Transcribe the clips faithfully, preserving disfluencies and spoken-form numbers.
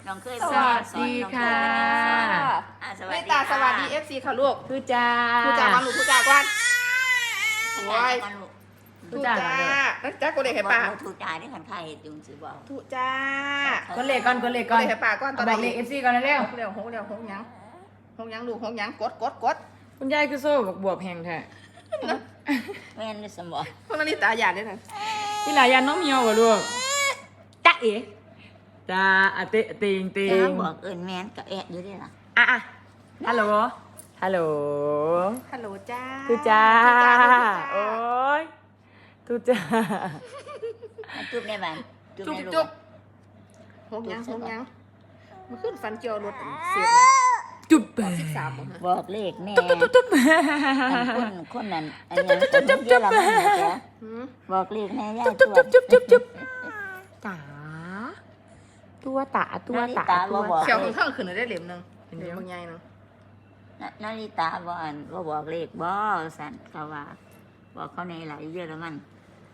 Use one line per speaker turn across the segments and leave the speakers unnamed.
น้องเคย
สวัสดีค่ะ
สวัส
แม่
ดี
ตาสวัสดีเอฟซีค่ะลูก
ทุจ้า
ทุจ้าก่อนลูกทุจ้าก่อนโอ้ย
ทุ
ทุ
จ้า
จ้า
ก่อนเด้อ
แล้วจ้ากูเด็กให้ป่า
ถูกจ่ายได้ขันไข่จุงสิบอก
ทุจ้า
ก็เลขก่อนก็เลข
กู
ก่อน
เด็กให้ป่าก่อนตอน
บอกเลขเอฟซีก่อนเร็ว
หกเร็วหกเร็วหกยังหกยังลูกหกยังกดกดกด
คุณยายคือโซ่บวบแหงแท้
แม่นได้สมบอก
คนนี้ตาหยาดด้วยนะ
พี่หลายยันน้องเมียวกับลูกจ้าเอ๋จ้าอะเตะเติงเติ
จ้าง บอกเอิญแม่นกับแอะอยู่ด้วยล่ะ
อ่ะอ่ะฮัลโหลฮัลโหล
ฮัลโหลจ้า
ทุจ้า
ทุจ้า
โอ้ยทุจ้า
จุ๊บในบ้าน
จุ๊บ
ใน
จุ๊บ
ลูก
หกยังหกยังมันขึ้นฟันเจียวรถเสียบนะ
จุ๊บไป
สิบสามบ่ฮะ
บอกเลขแน่
ตุ๊บตุ๊บตุ๊บ
คนคนนั้นอันนี้คนเยอะละมันนะจ๊ะ
หืม
บอกเลขแน่ย่า
จุ๊บจุ๊บจุ๊บจุ๊บจุ๊บตาตัวตาตัวตาตัว
เขียวขึ้นข้างขึ้นได้เหลี่ยมหนึงเหลี่ยมบางใหญ่หนึง
นาฬิตาบอกอันว่าบอกเลขบอสันเขาว่าบอกเขาในหลายเยอะละมัน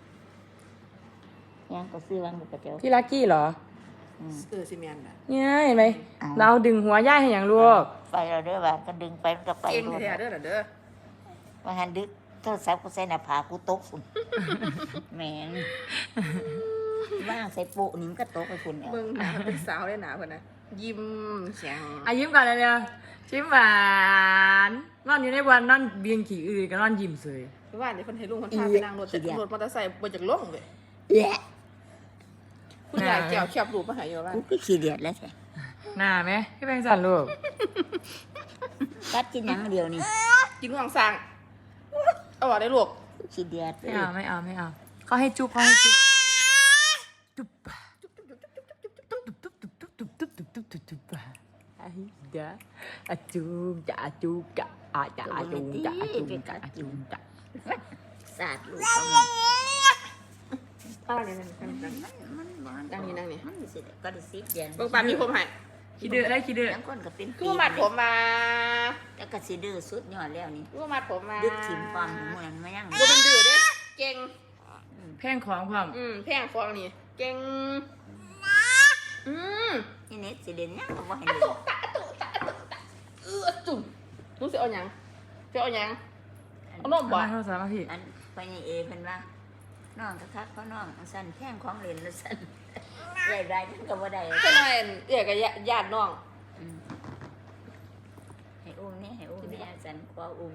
ยังก็ซื้อวันบุกกระเจ้า
พี่ลักกี้เหรอ
เออซีเมนต์อะ
เนี่ยเห็นไหมเราดึงหัวย่ายให้อย่างลูก
ไปเราเด้อว่าก็ดึงไปมันก็ไป
เก่ง
รวม
แท้ๆเด้อน่ะเด้อ
ว่าหันดึกโทรศัพท์กูใส่หน้าผากกูตกฝุ่นแหมนว่างใส่ปุนี่มันก็ตกไปฝุ่นแล้ว
เบิ่งหนาเป็นสาวได้หนาเพิ่นนะยิ้มแข็ง
อายิ้มก่อนเลยเร็วยิ้มหวานนอนอยู่ในวันนอนเบียงขี่อื่นก็นอนยิ้มสวย
เพราะว่านี่เพิ่นให้ลุงเพิ่นพาไปนั่งรถแต่รถมอเตอร์ไซค์บ่จากลงเลย
แหละ
คุณยายแก้วแคบรูปมาให้อยู่ว่า
กูก็ขี้เดียดแล้วแท้
หน้าไหมพี่แบงค์สันลูก
กัดกินหยังเดียวนี่
กินห่วงสร้างเอาว่าได้ลูก
กูขี้เดียด
ไม่เอาไม่เอาไม่เอาเขาให้จุ๊บเขาให้จุ๊บจุ๊บจุ๊บจุ๊บจุ๊บจุ๊บจุ๊บจุ๊บจุ๊บจุ๊บจุ๊บจุ๊บจุ๊บจุ๊บจุ๊บไอ้เด้ออะจุ๊บจะอะจุ๊บจะอะจะอะจุ๊บจะอะจุ๊บจะอะจุ๊บจะ
สาดลูกเขามัน
เอาเนี่ยนั่นนั่นนั่น
มันมัน
นั่งนี่นั่งนี่
มันสิก็ได้สิเดือน
เบิ่งปานมีผมให้
คิดดื้อได้คิดดื้อ
ทั้งคนก็เป็น
กูมัดผมมา
แล้วก็สิดื้อสุดยอดแล้วนี่
กูมัดผมมา
ดึกถิ่มความเหมือนมายัง
บ่เป็นดื้อเด้เก่ง
แพงของความ
อืมแพงฟองนี่เก่งอืม
นี่เน็ตสิเด่นยังก็บ่ให้
อะ
เด่
ตุ
น
ตะอะตุตะอะตุตะเออจุ่มหนูสิเอาหยังสิเอาหยังเอานมบ่
มาโทรศัพท์มาพี่
อันไปนี่เอเพิ่นว่าน้องก็คักเขาน้องสั่นแข้งของเล่นแล้วสั่นได้ได้จังก็บ่ได้
แค่นั้นเอื้อกับญาติน้อง
อืมให้อุ้มนี่ให้อุ้มนี่สั่นขออุ้ม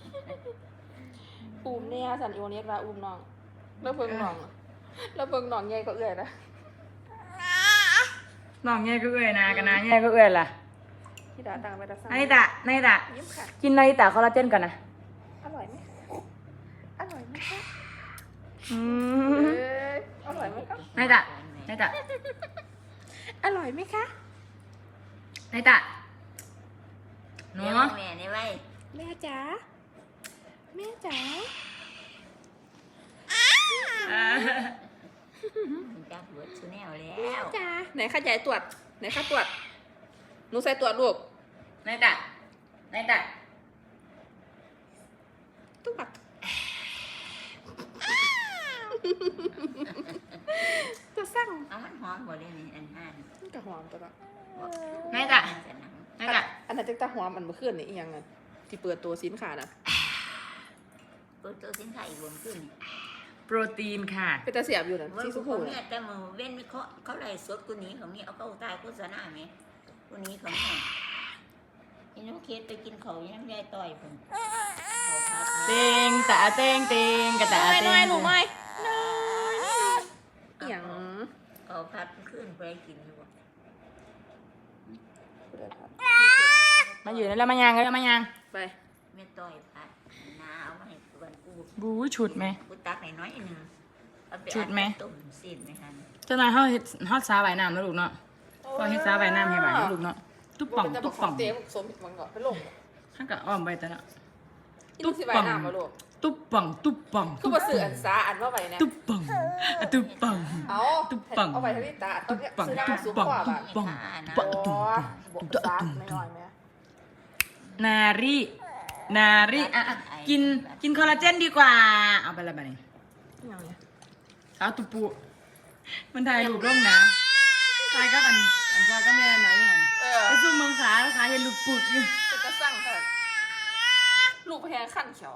อุ้มเนี่ยสันอีโอเนสว่าอุ้มน้องแล้วเพิ่งน้องแล้วเพิ่งน้องใหญ่ก็เอื้อยนะ
น้องแง่ก็เอ้ยนะกันนะแง่ก็เอ้ยล่ะ
ที่ดาตังไปตาซ่า
นาริตะนาริตะ
ยิ้มค่ะ
กินนาริตะคอลลาเจนก่อนนะ
อร่อยไหมคะอร่อยไหมคะ
อื
เอ
ม
ออร่อยไหมคะ
นาริตะนาริตะ
อร่อยไหมคะ
นาริตะหนู
เดี๋ยวแม่นี่ไว้
แม่จ๋าแม่จ๋า
จักเบิดซุแนวแล้
แม่
ว
จ๋าไหนข้าใหญ่ตรวจไหนข้าตรวจหนูใส่ตรวจลูก
นาริตะนาริตะ
ตุ๊กจะสั่ง
เอามันหอมบ่ได้นี่อันห้าน
กระหอมตัวละ
นาริตะนาริตะ
อันนั้นจะตาหอมอันเมื่อคืนนี่อีกอย่างไงที่เปิดตัวสินค้าน่ะ
เปิดตัวสินค้าอีกบนขึ้น
โปรตีนค่ะ
เป็นตาเสียบอยู่น่ะ
ว่า
ที่สุ
กู
ขุ
เนี่
น่ะ
ยแต่มือเว้นเขาเขาไล่สดกูนี้ของนี่เอาเข้าตายโฆษณาไหมกูนี้ของนี่นี่น้องเคสไปกินเขายังยายต่อยผมเขาพา
เตงตะเตงเตงกระตะ
น้อย
เต
น้อย
ง
หนูน้อยน้อยอีหยัง
เขาพัดขึ้นไปกินอยู่
มาอยู่นั่นแล้วมายังแล้วมายัง
ไป
ไม่ต่อยพัดนาเอามาให้กวนกู
บู๊ฉุดไหม
กูตักหน่อยๆนึงเอาไป
ชุดไหม
ตุ่มสิ้นไหมคะ
เจ้านายเขาเฮ็ดฮอดซาใบน้ำนะลูกเนาะก็เฮ็ดซาใบน้ำให้ใบนะลูกเนาะตุ๊บป่องตุ๊บป่อง
เตะสมมันก่อนไปลง
ท่านก็อ้อมไปแต่ละ
ตุ๊บสิใบหน้ามาลูก
ตุ๊บป่องตุ๊บป่อง
คือมาสื่ออันซาอันว่าใบนะ
ตุ๊บป่องอะตุ๊บป่อง
เอา
ตุ๊บปัง
เอาไปทางนี้ตาต้
ตุ๊
อง
บป่อง
ซื้อหน้า
ตุ๊
มา
บ
สูง
ป่อง
กว่า
ตุ๊
บ้า
บ
น
ป่อง
โอ้
ตุ๊บ
บวก
ตุ๊บ
ซา
ตุ๊บ
ไม่น้อยไหม
นารีนารีอ่ะอ่ะกินกินคอลลาเจนดีกว่าเอาไปละบัดนี้
อย่างเนี้ย
สาวตุปูมันถ่ายรูปลงนะตายก็อันอันจอยก็แม่ไหนหัน
เออ
ไอ้ซุ่มเมืองขาขาเห็นลูกปุดอยู่
เป็นกระสั่งค่ะลูกแพงขั้นเขียว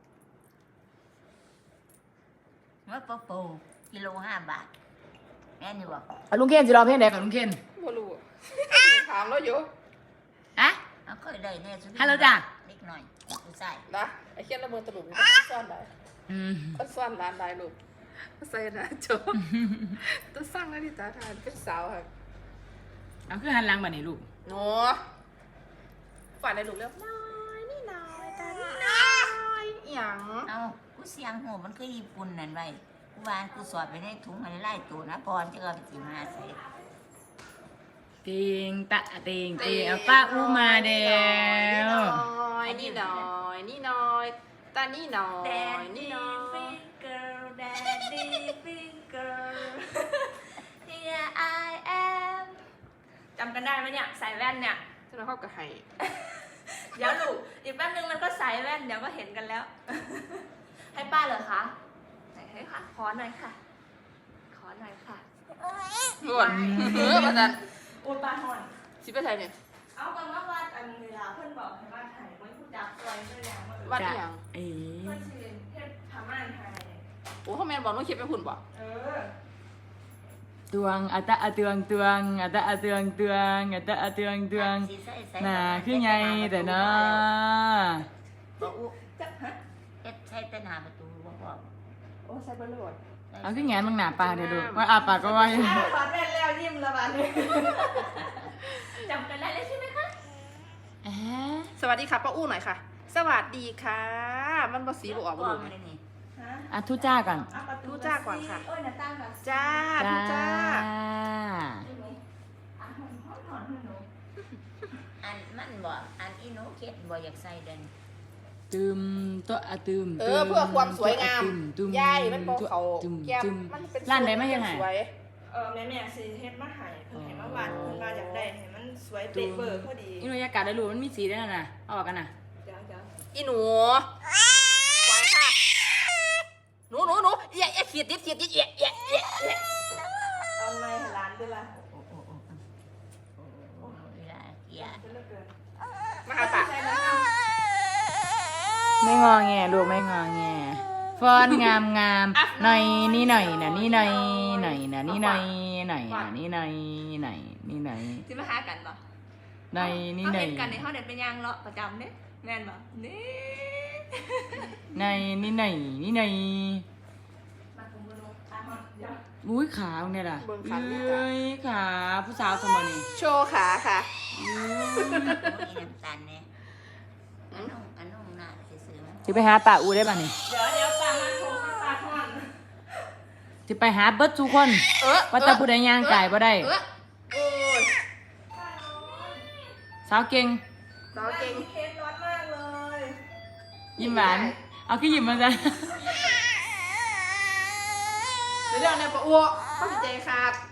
ว่าปะปูกิโลห้าบาทแม่นี่บอก
อ่ะลุงเคนสิรอเพลงใดกับลุงเคน
บ่รู้อะถามแล้วอยู่
อะ
เอาเคยได้แน่สุด
ฮัลโหลจ้ะ
เล็กหน่อยดูใส่
นะไอ้เคียนละเมอตะลุมซ่อนได้
อืม
ก็ซ่อนร้านได้ลูกใส่นะโจต้องสร้างนาฬิกาทานเป็นสาวค่ะ
เอาคือหันหลังมานี่ลูก
หนูฝันในลูกเร็วน้อยนี่น้อยตานี่น้อยหยัง
เอากูเสียงหัวมันคือญี่ปุ่นนั่นไว้กูวานกูสอดไปในถุงมันไล่ตัวนะพรจะเอาไปกินมาใส่
ติงตะติงติงเอาป้าอูมาเดียว
นี่น้อยนี่น้อยตานี่น้อยนี่น้อย
girl daddy finger here I am
จำกันได้ไหมเนี่ยใส่แว่นเนี่ย
จะเราเข้ากับไห้
เดี๋ยวลูกอีกแป๊บนึงมันก็ใส่แว่นเดี๋ยวก็เห็นกันแล้ว ให้ป้าเหรอคะไหนให้ค่ะขอหน่อยค่ะ ขอหน่อยค่ะ
ล้วนเออมาจัน
โอ้ยป้าหอน
สิไปไทยเนี่ย
เอากันว่าวัดอันเวลาเพื่อนบอกให้ว่าถ่ายไว้ผู้จับตัวเพื่อนแล้วว่า
วัดอีหยัง
เอ๋
เพื่อนชื่อเทพธรรมานไทย
โอ้เขาแมนบอกน้องคิดไปหุ่นบ่
เออ
ตวงอะตะอะตวงตวงอะตะอะตวงตวงอะตะอะตวงตวง
สิใส่ใส่
น่าคือไงแต่เนาะ
บอกอุ๊
จับฮะ
เอ็ดใช้แต่หน้าประตูบอกบอก
โอ้ใส่บอลลูน
เอาคือแงนมึงหนาปากเดี๋ยวดูว่าอาปากก็ว่าอยู่
อ้าวถอดแว่นแล้วยิ้มและบ้านนี้จำกันได้เลยใช่ไหมคะ
เอ๊ะ
สวัสดีค่ะป้าอู้หน่อยค่ะ สวัสดีค่ะ มันภาษีบอกออก
บ
บ่
อ
ลู
ก
ก
มาเลยนี่
ฮะ
อ่ะทุจ้าก่อน
เอาประตู
ดูจ้าก่อนค่ะ
โอ้ยหน้าตั้งก่อน
จ้าทุกจ้า
อ่ะหอนหอนหอนหนู
อันมันบอกอันอีโนเคสบอกอยากใส่เดิน
ตึมตัวอะตึม
เออเพื่อความสวยงาม
ตึม
ยายมันบอกเขา
ตึม
แก้ม
ตึม
มันเป็น
ร้านไหนมายังไง
สวย
เออแม่แม่สิเฮ็ดมาให้เพิ่นให้มาวาดเพิ่นมาอยากได้ให้มันสวยเป๊ะเบอร์พอดี
อีโนยากาศได้รู้มันมีสีด้วยนะเอาออกกันนะ
เดี๋ยวเดี๋ยว
อีหนูปล่อยค่ะ หนูหนูหนูเอี่ยเอี่ยเขียดติดเขียดติดเอี่ยเอี่ยเอี่ยเอี่ย
เอาไม้ให้ร้านด้วยล่ะ
โอ้โอ้โอ้โอ้โอ้เวลาเกียร์
จะเลิกเกิน
มาหาปาก
ใช่แล้วค่ะ
ไม่งอแงลูกไม่งอแงฟอนงามงามหน่อยนี่หน่อยนะนี่หน่อยหน่อยนะนี่หน่อยหน่อยนะนี่หน่อยหน่อยนี่หน่อย
สิมาหากันบ่
หน่อยนี่หน่อย
เฮาเห็นกันในเฮาเด็ดเป็นยางเลาะประจำเด้แม่นบ่นี่
หน่อยนี่หน่อยนี่หน่อย
มาคุมบ่นูตาฮอดเดี๋ยว
อุ้ยขาตรงเนี่ยล่ะเอ้ยขาผู้สาวสมัยนี้
โชว์ขาค่ะ
โอ้ยน้ำตาลเนี่ยอันนุ่งอันนุ่งหน้าซื้อๆมัน
จะไปหาป่าอูได้ป่ะนี่
เดี๋ยวเดี๋ยวตามมาโทรมาตาฮอด
จะไปหาเบิร์ดทุกคน
เออ
ว่าแต่ผู้ใดย่างไก่บ่ได้
เออโอ้ย
สาวเก่ง
สาวเก่ง
เคสร้อนมากเลย
ยิ้มหวานเอาขี้ยิ้มมาจ้ะ
เดี๋ยวเดี๋ยวในปะอ้วเข้าใจขาด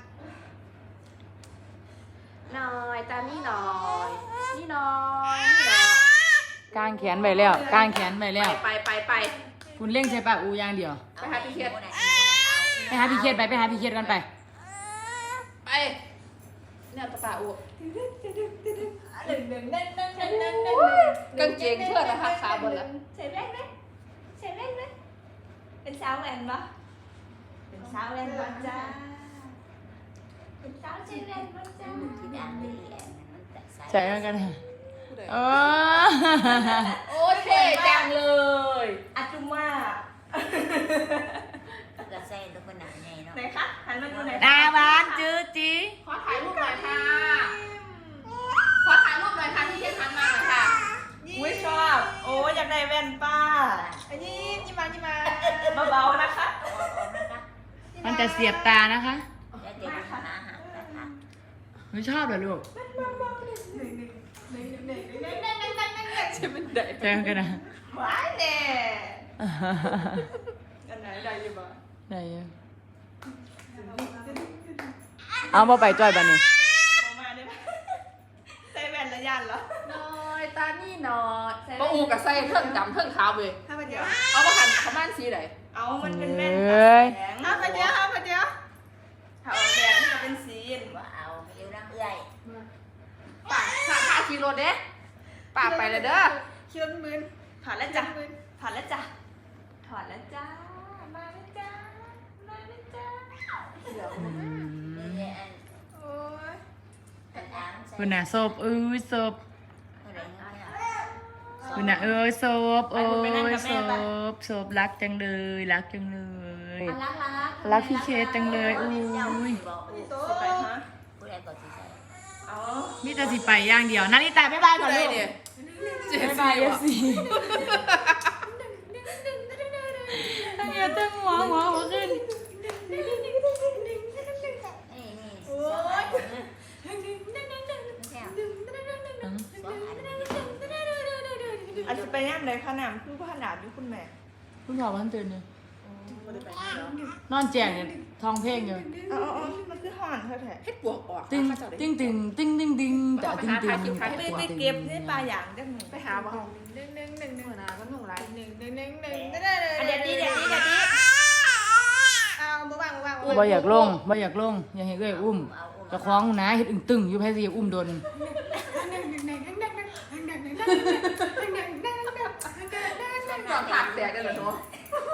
หน่อยตามนี่หน่อย นี่หน่อยนี่หน่อย
กางแขนไปแล้วกางแขนไปแล้ว
ไปไปไป
คุณเล่งใช้ป่าอูอย่างเดียว
ไปหาพี่เคส
ไปหาพี่เคสไปไปหาพี่เคสกันไป
ไปเนี่ยตะปาอ้ว
หนึ่งหนึ่งหนึ่งหนึ่งหนึ่งหนึ่งหนึ่ง
กางเกงเพื่อนนะคะขาบนละ
ใส่แว่นไหมใส่แว่นไหมเป็นสาวแว่นปะเป็นสาวแว่นปะจ้าเป็นสาวใส่แว่นปะจ้า
ที่ดังเลยแหละมันแต่ใส่
ใช่กันกันโอ้
โอ้เท่จังเลย
อาจุมา
ก็ใส่ตัวขนาดใหญ่เนาะ
ไหนคะหันมาดูหน่อย
ตาหวานจื้อจี
ขอถ่ายรูปหน่อยค่ะ ขอถ่ายรูปหน่อยค่ะที่เทียนทันมาหน่อยค่ะ
อุ้ยชอบโอ้อยากได้แว่นป้าอันนี้ยิ้มมายิ้มมาเบาๆนะคะ
มันจะเสียบตานะคะ
แล้วเดี๋ยวดูหาหานะคะ
ไม่ชอบเหรอลูก
ใช่มันได้
ใช่กันนะ
หวานแน่อันไหนได้อยังบ้าง
ได้อยู่เอามาไปจ้อยบ้านนี่
มาได้ไหมใส่แว่นระยันเหรอ
หน่อยตานี่หน่อยปะอูกับไส้เทิงดำเทิงขาวเลย
ห้าพันเดียว
เอามาหันเขาม่านสีไหน
เอามันเป็นแว่น
เอ้ย
ห้าพันเดียวห้าพันเดียวถ้าเอาแว่นนี่ก็เป็นสี
ว่าเอาดี๋ยวน้ำเอื่อย
ป่าป่าป่าขี่รถเด้ป่าไปเลยเด้อ
คิดว่ามืนถอดแล้วจ้ะถอดแล้วจ้ะถอดแล้วจ้ามาแล้วจ้ามาแล้วจ้าเดี๋ยว
อืม
นี่เนี่ยอัน
โอ้ย
อันน้ำใส่
คุณน่ะศพเอ้ยศพ
อะไรเงี้ย
คุณน่ะเอ้ยศพเอ้ยศพศพรักจังเลยรักจังเลย
รักรัก
รักพี่เคสจังเลยอุ้
เจ้าย บอก
พี่โตไปฮะ
ผู้ใดก็สิใส่
เอา
มีแต่สิไปอย่างเดียวนาริตาบ๊ายบายก่อนลูก
เนี่ยเจ็ด
บ๊าย
สี่
บายเอ
ว่ะ
ฟซีเฮียตั้งหัวหัวหัวขึ้น
นี่นี่
โอ้ย อาจจะไปย่ามใดขนาดคือขนาดอยู่คุณแม่
คุณพ่อวันตื่นเลย
ไม่ได้ไปย่ามเนาะ
นอนแจงเนี่ยทองเพลงอยู่
อ๋ออ๋อมันคือห่อนเธอแท้
ให้ปวกออก
ตึงตึงตึงตึงตึงตึงแต่ตึงตึง
ไปไปเก็บได้ปลาอย่างจังหนึ่ง
ไปหาบ่
หนึ่งหนึ่งหนึ่งหนึ่ง
หัวหน้าก็หนุ่มไร
หนึ่งหนึ่งหนึ่งหนึ่งได้
อันเดี๋ยวนี้เดี๋ยวนี้เดี๋ยวนี้
เอาบ่วางบ่วาง
บ่อยากลงบ่อยากลงอยากให้เอ้ยอุ้มจะคล้องนะเฮ็ดอึ้งตึงอยู่ไผสิอุ้มโดน
บอกผักแตกกันเหรอเนาะ